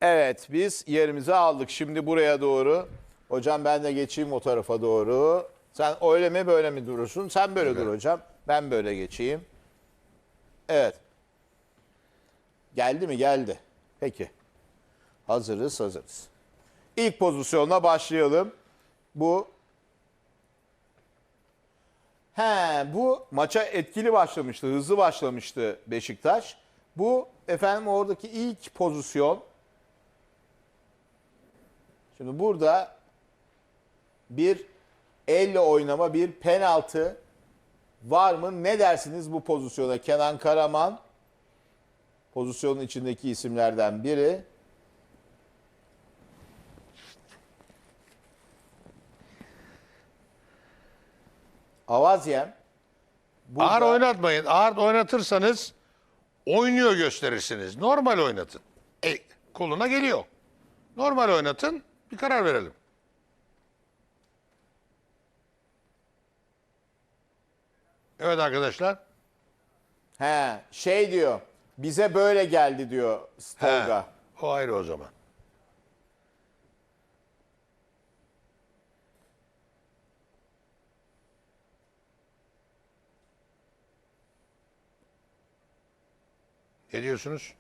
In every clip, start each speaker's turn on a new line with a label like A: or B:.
A: Evet, biz yerimizi aldık. Şimdi buraya doğru. Hocam ben de geçeyim o tarafa doğru. Sen öyle mi böyle mi durursun? Sen böyle dur hocam. Ben böyle geçeyim. Evet. Geldi mi? Geldi. Peki. Hazırız. İlk pozisyonla başlayalım. Bu bu maça etkili başlamıştı, hızlı başlamıştı Beşiktaş. Bu efendim oradaki ilk pozisyon. Şimdi burada bir elle oynama, bir penaltı var mı? Ne dersiniz bu pozisyona? Kenan Karaman pozisyonun içindeki isimlerden biri. Avazyem. Burada...
B: Ağır oynatmayın. Ağır oynatırsanız oynuyor gösterirsiniz. Normal oynatın. Koluna geliyor. Normal oynatın. Bir karar verelim. Evet arkadaşlar.
A: Şey diyor. Bize böyle geldi diyor Tolga.
B: O ayrı o zaman. Ne diyorsunuz?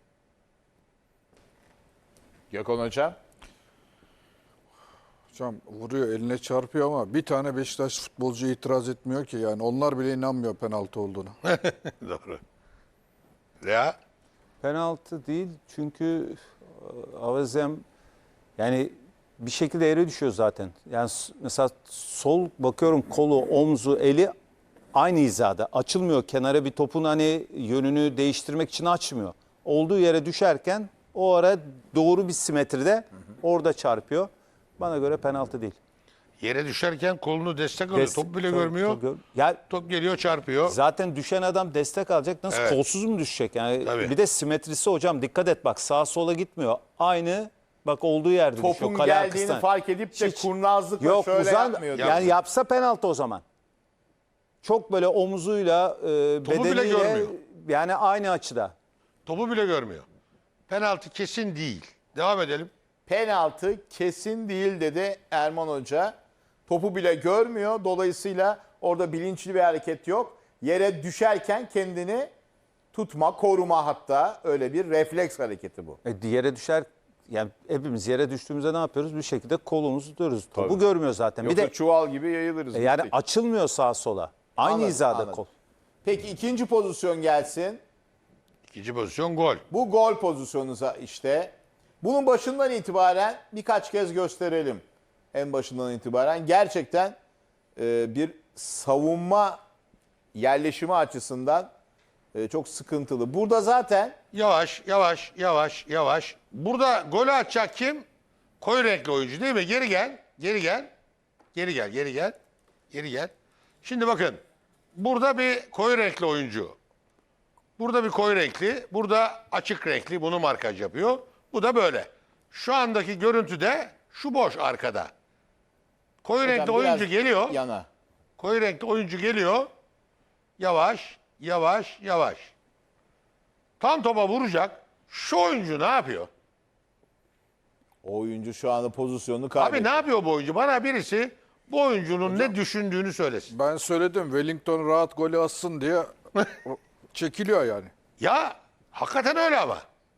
A: Gökhan Hocam.
C: Hocam vuruyor, eline çarpıyor ama bir tane Beşiktaş futbolcu itiraz etmiyor ki, yani onlar bile inanmıyor penaltı olduğuna.
B: Doğru. Ya
D: Penaltı değil çünkü Avazem yani bir şekilde yere düşüyor zaten. Yani mesela sol bakıyorum, kolu, omzu, eli aynı hizada. Açılmıyor kenara, bir topun hani yönünü değiştirmek için açmıyor. Olduğu yere düşerken o ara doğru bir simetride orada çarpıyor. Bana göre penaltı değil.
B: yere düşerken kolunu destek alıyor. Top bile görmüyor.
D: Ya
B: Top geliyor çarpıyor.
D: zaten düşen adam destek alacak. Nasıl,
B: Evet.
D: kolsuz mu düşecek? Yani
B: Tabii.
D: bir de simetrisi hocam, dikkat et bak, sağa sola gitmiyor. Aynı bak olduğu yerde düşüyor.
A: Topun
D: Kale
A: geldiğini
D: arkasından.
A: fark edip de
D: Hiç-
A: kurnazlıkla
D: Yok,
A: şöyle
D: uzan,
A: yapmıyor.
D: yani yapsa penaltı o zaman. Çok böyle omuzuyla,
B: Topu bile
D: bedeniyle,
B: görmüyor.
D: yani aynı açıda.
B: Topu bile görmüyor. Penaltı kesin değil. Devam edelim.
A: Penaltı kesin değil dedi Erman Hoca. Topu bile görmüyor. Dolayısıyla orada bilinçli bir hareket yok. Yere düşerken kendini tutma, koruma, hatta öyle bir refleks hareketi bu.
D: Yere düşer, yani hepimiz yere düştüğümüzde ne yapıyoruz? Bir şekilde kolumuzu tutuyoruz. Topu görmüyor zaten.
A: Yoksa
D: Bir de
A: çuval gibi yayılırız.
D: yani
A: Gittik.
D: açılmıyor sağa sola. Aynı
A: Anladım,
D: hizada
A: anladım.
D: kol.
A: Peki ikinci pozisyon gelsin.
B: İkinci pozisyon gol.
A: Bu gol pozisyonunuza işte. Bunun başından itibaren birkaç kez gösterelim. En başından itibaren gerçekten bir savunma yerleşimi açısından çok sıkıntılı. Burada zaten
B: Yavaş. Burada golü atacak kim? Koyu renkli oyuncu değil mi? Geri gel. Şimdi bakın. Burada bir koyu renkli oyuncu. Burada bir koyu renkli. Burada açık renkli. Bunu markaj yapıyor. Bu da böyle. Şu andaki görüntüde şu boş arkada. Koyu renkli
A: hocam
B: oyuncu
A: biraz
B: geliyor.
A: yana.
B: Koyu renkli oyuncu geliyor. Yavaş. Tam topa vuracak. Şu oyuncu ne yapıyor?
A: O oyuncu şu anda pozisyonunu
B: Abi
A: kaybetti.
B: ne yapıyor bu oyuncu? Bana birisi bu oyuncunun ne düşündüğünü söylesin.
C: Ben söyledim, Wellington rahat golü atsın diye çekiliyor yani.
B: Ya hakikaten öyle ama.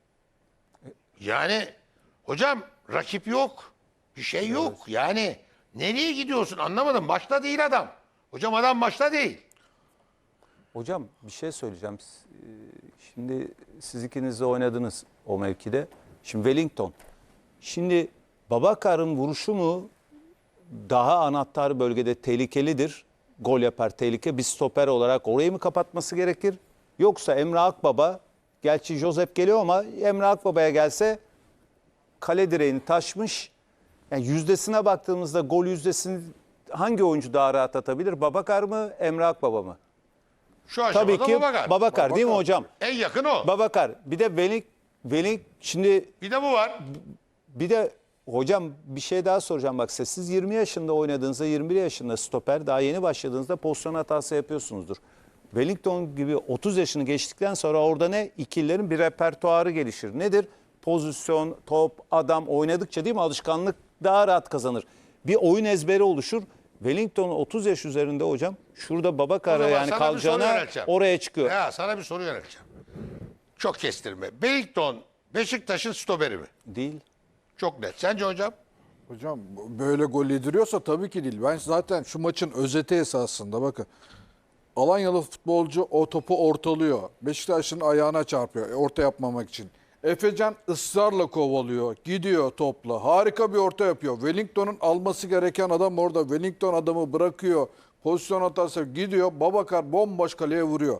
B: Yani hocam rakip yok. Bir şey yok. Yani nereye gidiyorsun anlamadım. Başta değil adam. Hocam adam başta değil.
D: Hocam bir şey söyleyeceğim. Şimdi siz ikiniz de oynadınız o mevkide. Şimdi Wellington. Şimdi Babakar'ın vuruşu mu daha anahtar bölgede tehlikelidir? Gol yapar, tehlike. Bir stoper olarak orayı mı kapatması gerekir? Yoksa Emre Akbaba, gerçi Josep geliyor ama Emre Akbaba'ya gelse kale direğini taşmış. Yani yüzdesine baktığımızda gol yüzdesini hangi oyuncu daha rahat atabilir? Babakar mı, Emre Akbaba mı?
B: Şu aşamada
D: Tabii ki Babakar değil mi hocam?
B: En yakın o.
D: Babakar. Bir de Velik şimdi
B: Bir de bu var.
D: bir de hocam bir şey daha soracağım bak, siz 20 yaşında oynadığınızda, 21 yaşında stoper, daha yeni başladığınızda pozisyon hatası yapıyorsunuzdur. Wellington gibi 30 yaşını geçtikten sonra orada ne? İkililerin bir repertuarı gelişir. Nedir? pozisyon, top, adam oynadıkça değil mi alışkanlık daha rahat kazanır. Bir oyun ezberi oluşur. Wellington 30 yaş üzerinde hocam. Şurada
B: O
D: Babakar'a
B: zaman
D: yani
B: sana bir soru
D: kalacağına
B: yönelteceğim.
D: oraya çıkıyor.
B: Ya sana bir soru yönelteceğim. Çok kestirme. Wellington Beşiktaş'ın stoperi mi?
D: Değil.
B: Çok net. Sence hocam?
C: Hocam böyle gol yediriyorsa tabii ki değil. Ben zaten şu maçın özeti esasında bakın. Alanyalı futbolcu o topu ortalıyor. Beşiktaş'ın ayağına çarpıyor orta yapmamak için. Efecan ısrarla kovalıyor. Gidiyor topla. Harika bir orta yapıyor. Wellington'un alması gereken adam orada. Wellington adamı bırakıyor. Pozisyon hatası gidiyor. Babakar bomboş kaleye vuruyor.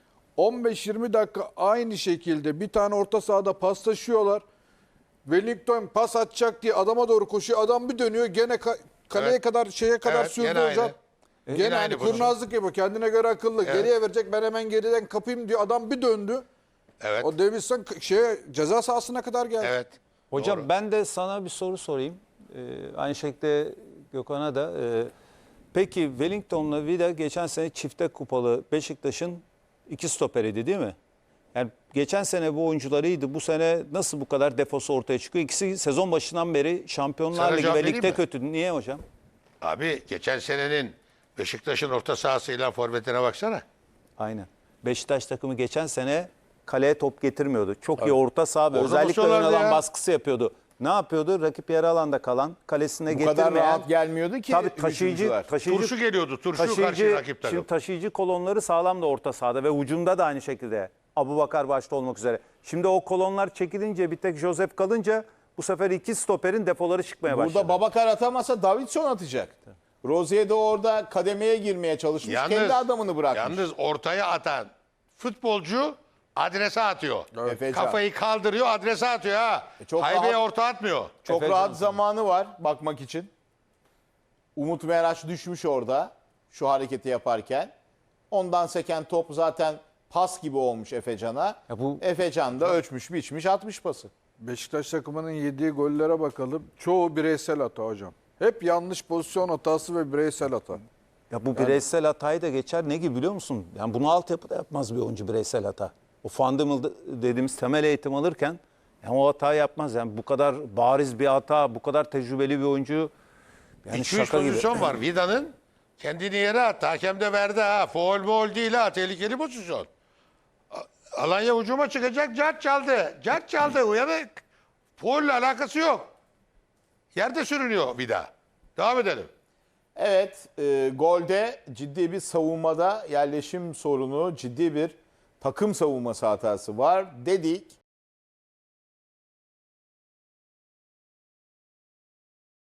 C: 15-20 dakika aynı şekilde bir tane orta sahada paslaşıyorlar. Wellington pas atacak diye adama doğru koşuyor. Adam bir dönüyor gene kaleye
B: Evet.
C: kadar şeye kadar
B: Evet, gene
C: sürdü hocam.
B: aynı.
C: Gene
B: Yine
C: hani
B: aynı pozisyon.
C: kurnazlık yapıyor. Kendine göre akıllı. Geriye verecek ben hemen geriden kapayım diyor. Adam bir döndü.
B: Evet.
C: O Davidson ceza sahasına kadar geldi.
B: Evet.
D: Hocam
B: Doğru.
D: ben de sana bir soru sorayım. Aynı şekilde Gökhan'a da. Peki Wellington'la Vida geçen sene çifte kupalı Beşiktaş'ın 2 stoperiydi değil mi? Yani geçen sene bu oyuncularıydı. Bu sene nasıl bu kadar defosu ortaya çıkıyor? İkisi sezon başından beri Şampiyonlar
B: Sana
D: Ligi
B: cevap
D: ve
B: vereyim
D: ligde
B: mi?
D: kötü. Niye hocam?
B: Abi geçen senenin Beşiktaş'ın orta sahasıyla forvetine baksana.
D: Aynen. Beşiktaş takımı geçen sene kaleye top getirmiyordu. Çok iyi orta saha ve
B: Orada
D: özellikle ön
B: basıyorlardı
D: alan
B: ya.
D: baskısı yapıyordu. Ne yapıyordu? Rakip yarı alanda kalan, kalesine
A: Bu
D: getirmeyen.
A: kadar rahat gelmiyordu ki
D: Tabii taşıyıcı,
A: hücumcular.
B: Turşu geliyordu. Turşu karşı rakip takım.
D: şimdi taşıyıcı kolonları sağlam da orta sahada ve ucunda da aynı şekilde. Abubakar başta olmak üzere. Şimdi o kolonlar çekilince bir tek Josep kalınca bu sefer 2 stoperin defoları çıkmaya başladı.
A: Burada Babakar atamasa Davidson atacak. Rozier de orada kademeye girmeye çalışmış. Kendi adamını bırakmış.
B: Yalnız ortaya atan futbolcu adrese atıyor.
A: Efecan.
B: Kafayı kaldırıyor adrese atıyor ha.
A: Çok
B: Haybeye
A: rahat.
B: orta atmıyor.
A: Çok
D: Efecan
A: rahat zamanı var bakmak için. Umut Meraş düşmüş orada şu hareketi yaparken. Ondan seken top zaten pas gibi olmuş Efecan'a.
D: Ya bu-
A: Efecan da ölçmüş biçmiş atmış pası.
C: Beşiktaş takımının yediği gollere bakalım. Çoğu bireysel hata hocam. Hep yanlış pozisyon hatası ve bireysel hata.
D: Ya bu bireysel hatayı da geçer. Ne gibi biliyor musun? Yani bunu altyapıda yapmaz bir oyuncu bireysel hata. O fundamental dediğimiz temel eğitim alırken yani o hatayı yapmaz. Yani bu kadar bariz bir hata, bu kadar tecrübeli bir oyuncu yani
B: 2-3
D: şaka gibi.
B: pozisyon var. Vida'nın kendini yere attı. Hakem de verdi ha. Foul değil ha. Tehlikeli pozisyon. Alanya hücuma çıkacak. Cart çaldı. Cart çaldı. Uyanık. Foul'le alakası yok. Yerde sürünüyor Vida. Devam edelim.
A: Evet, golde ciddi bir savunmada yerleşim sorunu, ciddi bir takım savunması hatası var dedik.